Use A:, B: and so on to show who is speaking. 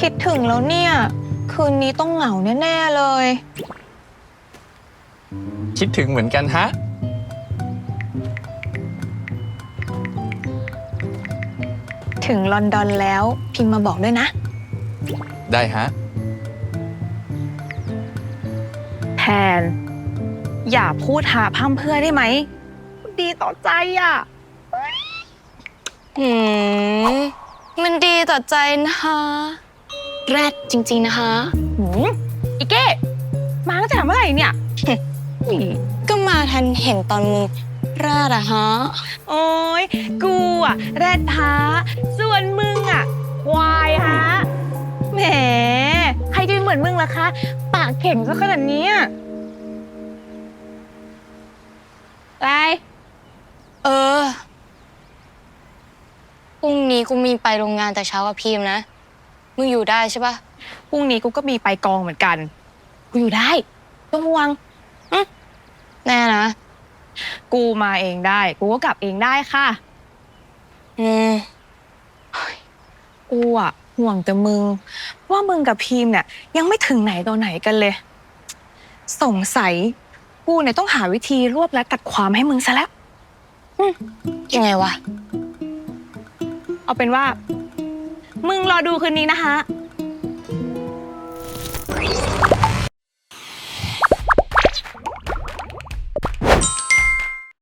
A: คิดถึงแล้วเนี่ย คืนนี้ต้องเหงาแน่ๆเลย
B: คิดถึงเหมือนกันฮะ
A: ถึงลอนดอนแล้วพิมพ์มาบอกด้วยนะ
B: ได้ฮะ
A: แทน อย่าพูดหาพร่ำเพรื่อได้ไหม ดีต่อใจอ่ะ
C: มันดีต่อใจนะคะแรดจริงๆนะคะ
A: อีเก้มาตั้งแต่เมื่อไหร่เนี่ย
C: ก็มาทันเห็นตอนมึงราดอะฮะ
A: โอ้ยกูอะแรดฮะส่วนมึงอะควายฮะแหมใครจะเหมือนมึงล่ะคะ ปากเข่งซะขนาดนี้อะไร
C: เออพรุ่งนี้กูมีไปโรงงานแต่เช้ากับพีมนะ มึงอยู่ได้ใช่ปะ
A: พรุ่งนี้กูก็มีไปกองเหมือนกัน กูอยู่ได้ต้องห่วง
C: แน่นะ
A: กูมาเองได้ กูก็กลับเองได้ค่ะ
C: อืม
A: กูอะห่วงแต่มึง ว่ามึงกับพีมเนี่ยยังไม่ถึงไหนต่อไหนกันเลย สงสัยกูเนี่ยต้องหาวิธีรวบและตัดความให้มึงซะแล้ว
C: ยังไงวะ
A: เอาเป็นว่า มึงรอดูคืนนี้นะคะ